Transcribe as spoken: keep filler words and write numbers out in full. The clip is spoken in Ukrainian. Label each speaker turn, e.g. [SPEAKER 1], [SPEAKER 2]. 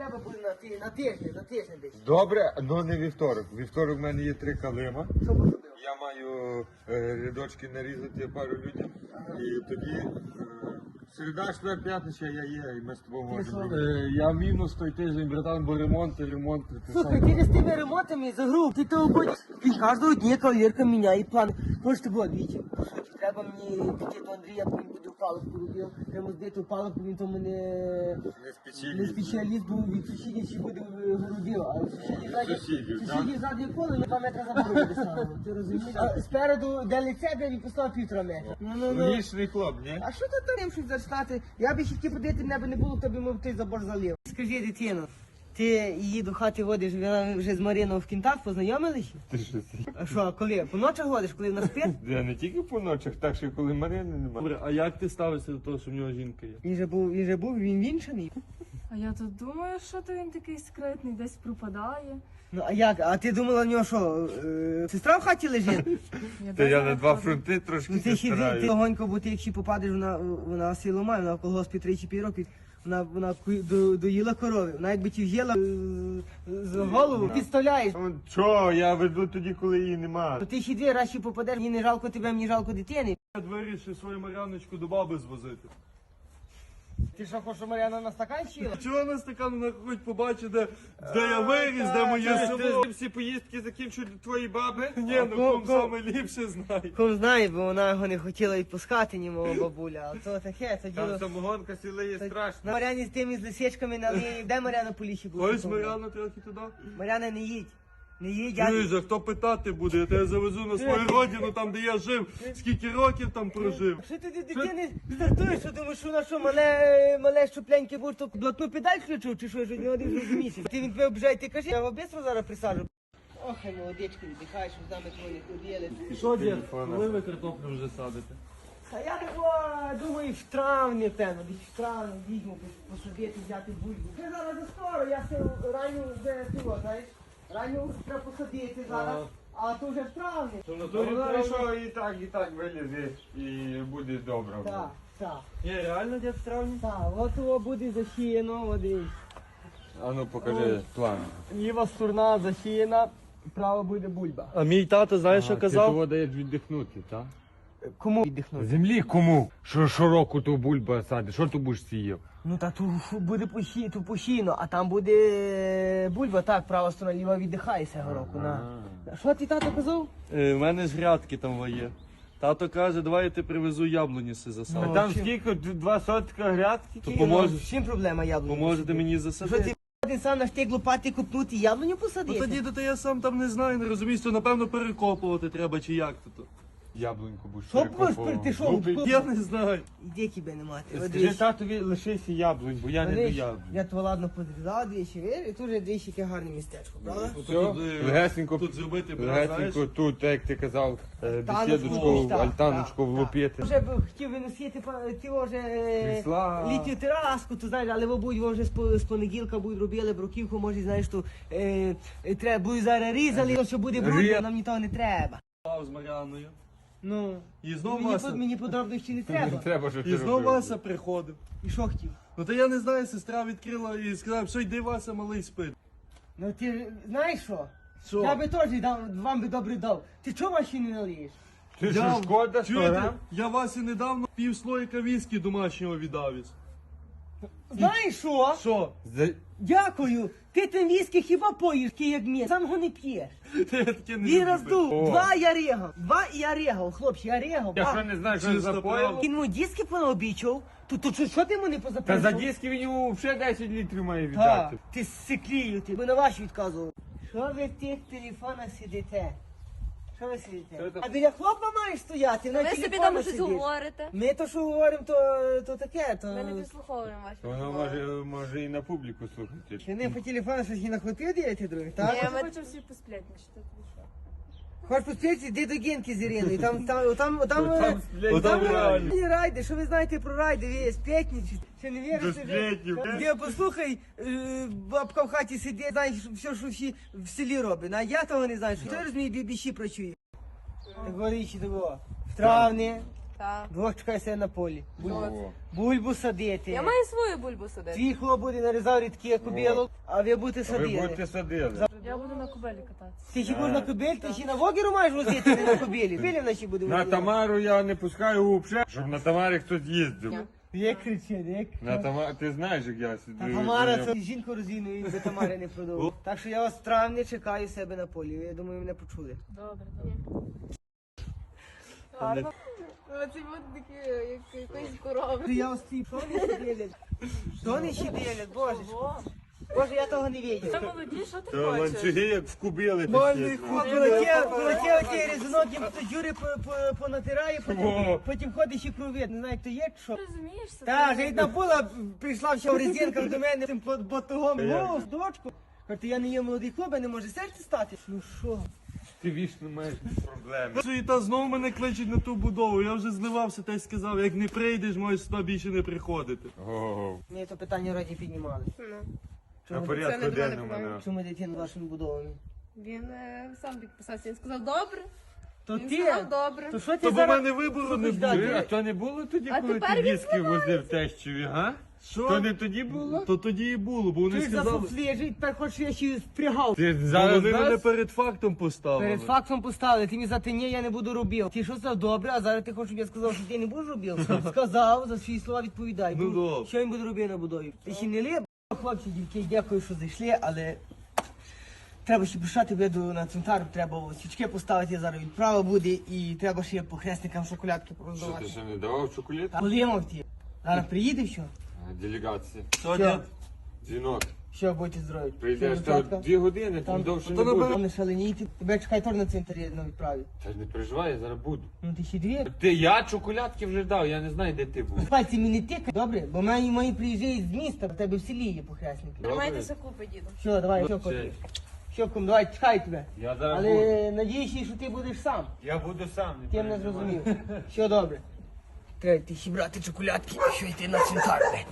[SPEAKER 1] треба буде на, ти, на тиждень, на тиждень десь.
[SPEAKER 2] Добре, але не вівторок. Вівторок в мене є три калима.
[SPEAKER 1] Що поробив?
[SPEAKER 2] Я маю е, рядочки нарізати пару людям. І тоді е, середа, четвер, п'ятниця я є, і ми з тобою можемо.
[SPEAKER 3] Е, Я мінус той тиждень, братан, бо ремонти, ремонти. ти
[SPEAKER 1] Слухай,
[SPEAKER 3] сам.
[SPEAKER 1] ти з тими ремонтами за гру, ти того будь. Він кожного дня кавалерка міняє плани. Хочете було двічі. Треба мені піти до Андрія, бо він буде в палубку робив. Треба збити в палубку, він то мене
[SPEAKER 2] Не спеціаліст.
[SPEAKER 1] не спеціаліст був від сусідів, чи буде городив. А сусідів ззаді,
[SPEAKER 2] Сусідів,
[SPEAKER 1] сусідів ззаді коло, на два метри забору буде ставити. Ти розумієш? А спереду, де лице, де він поставив півтора метра. Ну, ну, ну.
[SPEAKER 2] Лішний хлоп, ні?
[SPEAKER 1] А що ти там щось зачитати? Я би ще хотів подивити, мене би не було, хто би мов той забор залив. Скажи, дитино, ти її до хати водиш, вона вже з Мариною в кінтах познайомилися?
[SPEAKER 2] Ти що це?
[SPEAKER 1] А що, а коли? По ночах водиш, коли вона спить?
[SPEAKER 2] Я не тільки по ночах, так що коли Марини немає.
[SPEAKER 3] Добре, а як ти ставишся до того, що в нього жінка є?
[SPEAKER 1] Він же був, він же був, він вінчаний.
[SPEAKER 4] А я тут думаю, що то він такий скритний, десь пропадає.
[SPEAKER 1] Ну а як? А ти думала в нього що, е, сестра в хаті лежить?
[SPEAKER 4] Я
[SPEAKER 2] Та я
[SPEAKER 4] даже
[SPEAKER 2] на
[SPEAKER 4] не
[SPEAKER 2] два
[SPEAKER 4] ходжу.
[SPEAKER 2] фронти трошки
[SPEAKER 1] Ну ти ще ти
[SPEAKER 2] стараюсь.
[SPEAKER 1] легонько, бо ти якщо попадеш, вона, вона силу має, вона в колгоспі тричі п'ять років. Вона, вона ку- до, доїла корови. Вона якби ті в'їла е, з голову, підставляєш.
[SPEAKER 2] Ну, Чо, я веду тоді, коли її нема.
[SPEAKER 1] То ти ще дві раз ще попадеш, мені не жалко тебе, мені жалко дитини.
[SPEAKER 3] Я вирішив свою Мар'яночку до баби звозити.
[SPEAKER 1] Ти що, хочеш, щоб Мар'яна на стакан сіла?
[SPEAKER 3] Чого на стакан вона хоч побачить, де, де я виріс, де моє село?
[SPEAKER 2] всі поїздки закінчують твої баби?
[SPEAKER 3] Ні, ну
[SPEAKER 1] Ко-
[SPEAKER 3] ком
[SPEAKER 1] ко-
[SPEAKER 3] саме ліпше знає.
[SPEAKER 1] Ком знає, бо вона його не хотіла відпускати, ні мого бабуля. А то таке, це
[SPEAKER 2] Там
[SPEAKER 1] діло.
[SPEAKER 2] самогонка сіла є страшно.
[SPEAKER 1] На Мар'яні з тими з лисичками на лінії. Де Мар'яна по лісі була?
[SPEAKER 3] Ось Мар'яна трохи туди.
[SPEAKER 1] Мар'яна, не їдь. Не їдь, я...
[SPEAKER 3] Чуєш, а хто питати буде? Я тебе завезу на свою родину, там де я жив, скільки років там прожив.
[SPEAKER 1] Що ти до дитини стартуєш, що думаєш, що вона що, мале, мале щупленьке будеш, то блатну педаль включив, чи що, що не один вже місяць. Ти він тебе обжає, ти кажи, я його бистро зараз присаджу. Ох, і молодечки, віддихай, що з нами твої ходили.
[SPEAKER 3] Що, дід, коли ви картоплю вже садите?
[SPEAKER 1] А я такого, думаю, в травні, певно, десь в травні візьму посадити, взяти бульбу. Це зараз не скоро, я все ранню вже цього, знаєш, ранню треба посадити зараз, а то вже в травні.
[SPEAKER 3] То на
[SPEAKER 2] Ну, знаєш, що і так, і так вилізе, і буде добре.
[SPEAKER 1] Так, так,
[SPEAKER 3] Ні, реально, дід, в травні?
[SPEAKER 1] так, от його буде засіяно, от дивись.
[SPEAKER 2] А ну покажи план.
[SPEAKER 1] Ліва сторона засіяна, права буде бульба.
[SPEAKER 3] А мій тато, знаєш, що
[SPEAKER 2] Ти
[SPEAKER 3] казав?
[SPEAKER 2] того даєш віддихнути, так?
[SPEAKER 1] Кому віддихнути?
[SPEAKER 2] Землі кому? Що щороку ту бульба садиш, що ти будеш сіяв?
[SPEAKER 1] Ну та тут буде посі, тут посіяно, а там буде бульба, так, права сторона, ліва віддихає цього року. На. Що ти тато казав?
[SPEAKER 3] Е, в мене ж грядки там є. Тато каже, давай я ти привезу яблуні си
[SPEAKER 2] А
[SPEAKER 3] засадити.
[SPEAKER 1] Ну,
[SPEAKER 2] там
[SPEAKER 1] чим?
[SPEAKER 2] скільки? Два сотка грядки?
[SPEAKER 3] То
[SPEAKER 1] Ні,
[SPEAKER 3] поможе-
[SPEAKER 1] ну, з чим проблема яблуні?
[SPEAKER 3] Поможете мені
[SPEAKER 1] Що
[SPEAKER 3] засадити?
[SPEAKER 1] ти один сам на штик лопати купнути і яблуню
[SPEAKER 3] Ну
[SPEAKER 1] посадити?
[SPEAKER 3] тоді то я сам там не знаю, не розумієш, то напевно перекопувати треба чи як то.
[SPEAKER 2] Яблуньку будеш
[SPEAKER 1] Що
[SPEAKER 2] перекопувати.
[SPEAKER 1] будеш, ти що?
[SPEAKER 2] Ну,
[SPEAKER 1] Що?
[SPEAKER 3] Я не знаю.
[SPEAKER 1] Іди тебе не мати. От
[SPEAKER 2] Скажи
[SPEAKER 1] дивись.
[SPEAKER 2] татові, лишися яблунь, бо я не до
[SPEAKER 1] Видиш,
[SPEAKER 2] яблунь.
[SPEAKER 1] я то ладно подрізав двічі, вір, і тут вже двічі яке гарне містечко, правда?
[SPEAKER 2] Все,
[SPEAKER 3] Тут, е,
[SPEAKER 2] легесенько,
[SPEAKER 3] тут зробити,
[SPEAKER 2] легесенько
[SPEAKER 3] знаєш?
[SPEAKER 2] тут, як ти казав, е,
[SPEAKER 1] Альтаночку,
[SPEAKER 2] бесідочку,
[SPEAKER 1] так,
[SPEAKER 2] альтаночку
[SPEAKER 1] так,
[SPEAKER 2] влупити.
[SPEAKER 1] Вже б хотів виносити па- ті вже е,
[SPEAKER 2] Крісла.
[SPEAKER 1] літню тераску, то знаєш, але мабуть вже з, по- з понеділка будуть робили бруківку, може, знаєш, то е, е, треба буде зараз різали, що буде брудно,
[SPEAKER 2] Рі-
[SPEAKER 1] нам нічого не треба.
[SPEAKER 3] З Мар'яною.
[SPEAKER 1] Ну,
[SPEAKER 3] І знов
[SPEAKER 1] мені,
[SPEAKER 3] Вася.
[SPEAKER 1] под- мені подробності не
[SPEAKER 2] Не
[SPEAKER 1] треба.
[SPEAKER 2] треба, щоб
[SPEAKER 3] І
[SPEAKER 2] ти
[SPEAKER 3] знов
[SPEAKER 2] робив.
[SPEAKER 3] Вася приходив.
[SPEAKER 1] І що хотів?
[SPEAKER 3] Ну то я не знаю, сестра відкрила і сказала, що йди Вася, малий спить.
[SPEAKER 1] Ну ти ж- знаєш що?
[SPEAKER 3] Що?
[SPEAKER 1] Я би теж дав, вам би добре дав. Ти чого ваші не налієш?
[SPEAKER 2] Ти що, шкода, що
[SPEAKER 3] Чуєте?
[SPEAKER 2] рам?
[SPEAKER 3] Я Васі недавно пів слоїка віскі домашнього віддавіз.
[SPEAKER 1] Знаєш що?
[SPEAKER 3] Що?
[SPEAKER 2] За-
[SPEAKER 1] Дякую. Ти тим віскі хіба поїш, ки як мені? Сам його не п'єш.
[SPEAKER 3] Та я таке не
[SPEAKER 1] Він
[SPEAKER 3] люблю.
[SPEAKER 1] роздув.
[SPEAKER 2] О.
[SPEAKER 1] Два я регав. Два і я регав, хлопці, я регав.
[SPEAKER 2] Я
[SPEAKER 1] ба.
[SPEAKER 2] що не знаю, що
[SPEAKER 3] Чисто
[SPEAKER 2] за
[SPEAKER 3] правда.
[SPEAKER 2] поїв?
[SPEAKER 1] Він йому диски понаобічав. То, то що, що ти йому не
[SPEAKER 2] Та
[SPEAKER 1] позапрошував?
[SPEAKER 2] за диски він йому вже десять літрів має
[SPEAKER 1] Та,
[SPEAKER 2] віддати.
[SPEAKER 1] ти сиклію, ти. Ми на ваші відказував. Що ви в тих телефонах сидите? Що ви сидите?
[SPEAKER 2] Що це?
[SPEAKER 1] А біля хлопа маєш стояти, на
[SPEAKER 4] Ви собі
[SPEAKER 1] телефонах
[SPEAKER 4] там щось
[SPEAKER 1] сидиш.
[SPEAKER 4] говорите.
[SPEAKER 1] Ми то, що говоримо, то, то таке, то...
[SPEAKER 4] Ми не підслуховуємо ваші
[SPEAKER 2] Воно
[SPEAKER 4] розмови.
[SPEAKER 2] може, може і на публіку слухати.
[SPEAKER 1] Чи не по телефону щось і на хлопів діяти, друге, так?
[SPEAKER 4] Ні, ми хочемо всі посплетничати. ти що?
[SPEAKER 1] Хочеш поспіти, йди до Генки з Іриною, там, там, там, там,
[SPEAKER 2] Там
[SPEAKER 1] е,
[SPEAKER 2] сплетні
[SPEAKER 1] там
[SPEAKER 3] реально.
[SPEAKER 1] е, райди, що ви знаєте про райди, ви сплетничі, ще не вірите?
[SPEAKER 2] До сплетнів,
[SPEAKER 1] вже?
[SPEAKER 2] да?
[SPEAKER 1] Де, послухай, е, бабка в хаті сидить, знаєш, все, що всі в селі робить, а я того не знаю, що ти розумієш, бібіші працює. Так говорить, того, в травні,
[SPEAKER 4] Так.
[SPEAKER 1] Двох чекай себе на полі. Буль-
[SPEAKER 2] О.
[SPEAKER 1] Бульбу садити.
[SPEAKER 4] Я маю свою бульбу садити.
[SPEAKER 1] Твій хлоп буде нарізав рідкі кобілок, а ви будете
[SPEAKER 2] А ви
[SPEAKER 1] садили.
[SPEAKER 2] будете садили.
[SPEAKER 4] Я буду на кубелі кататися.
[SPEAKER 1] Ти ще будеш на кобилі, ти ще на вогеру маєш возити, не на кобилі. Кобилі наші буде
[SPEAKER 2] На
[SPEAKER 1] возити.
[SPEAKER 2] Тамару я не пускаю взагалі, щоб на Тамарі хтось їздив.
[SPEAKER 1] Як кричить, як?
[SPEAKER 2] На Тамарі, ти знаєш, як я сиджу.
[SPEAKER 1] Та Тамара це жінку розійною, би Тамари не продовжував. Так що я вас в травні чекаю себе на полі. Я думаю, мене почули.
[SPEAKER 4] Добре, добре. Гарно. Оці будуть такі, як якоїсь корови.
[SPEAKER 1] Я вас ці, що вони ще ділять? Що вони ще ділять, боже. Боже, я того не
[SPEAKER 4] Це
[SPEAKER 1] видів.
[SPEAKER 4] молоді, що ти
[SPEAKER 2] Та
[SPEAKER 4] хочеш?
[SPEAKER 2] ланцюги як вкубили.
[SPEAKER 1] Полетів,
[SPEAKER 2] такі.
[SPEAKER 1] полетів ті різунок, їм хтось Юри по- по- понатирає, потім,
[SPEAKER 2] Во.
[SPEAKER 1] потім ходить і кровить. Не знаю, хто є, чи що.
[SPEAKER 4] Розумієшся?
[SPEAKER 1] Та, вже одна була, прийшла ще в резинках до мене цим под- батогом.
[SPEAKER 2] Та як?
[SPEAKER 1] О, дочку. Каже, я не є молодий хлоп, а не може серце стати. Ну що?
[SPEAKER 2] Ти вічно маєш проблеми.
[SPEAKER 3] Суєта знов мене кличуть на ту будову. Я вже зливався та й сказав, як не прийдеш, можеш сюди більше не приходити.
[SPEAKER 2] Ого.
[SPEAKER 1] Ми то питання раді піднімали.
[SPEAKER 2] На
[SPEAKER 1] Чому,
[SPEAKER 2] порядку
[SPEAKER 5] це не
[SPEAKER 2] денному.
[SPEAKER 5] мене
[SPEAKER 2] да.
[SPEAKER 1] чому дитину вашими будовами?
[SPEAKER 5] Він е, сам підписався. Він сказав, добре.
[SPEAKER 1] То
[SPEAKER 5] Він
[SPEAKER 1] ти,
[SPEAKER 5] сказав, добре.
[SPEAKER 1] то що ти
[SPEAKER 3] То бо в
[SPEAKER 1] зараз...
[SPEAKER 3] мене вибору не
[SPEAKER 1] Слухай,
[SPEAKER 3] буде.
[SPEAKER 2] Ти, А то не було тоді,
[SPEAKER 5] А
[SPEAKER 2] коли
[SPEAKER 5] тепер
[SPEAKER 2] ти
[SPEAKER 5] він
[SPEAKER 2] віскі возив тещові, га?
[SPEAKER 3] Що?
[SPEAKER 2] То не тоді було?
[SPEAKER 3] То тоді і було, бо вони
[SPEAKER 1] Ти
[SPEAKER 3] сказали.
[SPEAKER 1] зафуфлежить, тепер хочеш я ще й впрягав.
[SPEAKER 2] Ти
[SPEAKER 3] Бо
[SPEAKER 2] зараз
[SPEAKER 3] вони мене
[SPEAKER 2] нас?
[SPEAKER 3] перед фактом поставили.
[SPEAKER 1] Перед фактом поставили, ти мені за те ні, я не буду робив. Ти що сказав, добре, а зараз ти хочеш, щоб я сказав, що ти не будеш робив? Сказав, за свої слова відповідай.
[SPEAKER 3] Ну,
[SPEAKER 1] Бо
[SPEAKER 3] добре.
[SPEAKER 1] що він буде робити на будові? Ти ще не ліп? Хлопці, дівки, дякую, що зайшли, але треба ще прийшати веду на цвинтар, треба свічки поставити, зараз відправа буде, і треба ще по хресникам шоколадки
[SPEAKER 2] Що
[SPEAKER 1] пороздавати.
[SPEAKER 2] ти ще не давав чоколад?
[SPEAKER 1] Полимав ті. Зараз приїде все.
[SPEAKER 2] Делегація.
[SPEAKER 3] Що,
[SPEAKER 1] Що?
[SPEAKER 3] дід?
[SPEAKER 2] Дзвінок.
[SPEAKER 1] Що будете здорові?
[SPEAKER 2] Прийдеш
[SPEAKER 1] Все,
[SPEAKER 2] то
[SPEAKER 1] дівчатка?
[SPEAKER 2] дві години, там
[SPEAKER 1] Там,
[SPEAKER 2] довше
[SPEAKER 3] то
[SPEAKER 2] не
[SPEAKER 3] на
[SPEAKER 2] буде.
[SPEAKER 1] там не шаленійте. Тебе чекай тор на цвинтарі на відправі.
[SPEAKER 2] Та ж не переживай, я зараз буду.
[SPEAKER 1] Ну ти ще дві.
[SPEAKER 2] Ти, я чоколядки вже дав, я не знаю, де ти був.
[SPEAKER 1] Пальці мені не тикай, добре? Бо мої, мої приїжджають з міста, в тебе в селі є похресники.
[SPEAKER 5] Тримайтеся купи, діду.
[SPEAKER 1] Що, давай, що
[SPEAKER 2] Все.
[SPEAKER 1] коти? Що, кум, давай, чекай тебе.
[SPEAKER 2] Я зараз буду.
[SPEAKER 1] Але надіюся, що ти будеш сам.
[SPEAKER 2] Я буду сам.
[SPEAKER 1] Ти мене
[SPEAKER 2] переживай.
[SPEAKER 1] зрозумів. Що добре. Треба ти ще брати чоколядки, що йти на цвинтар.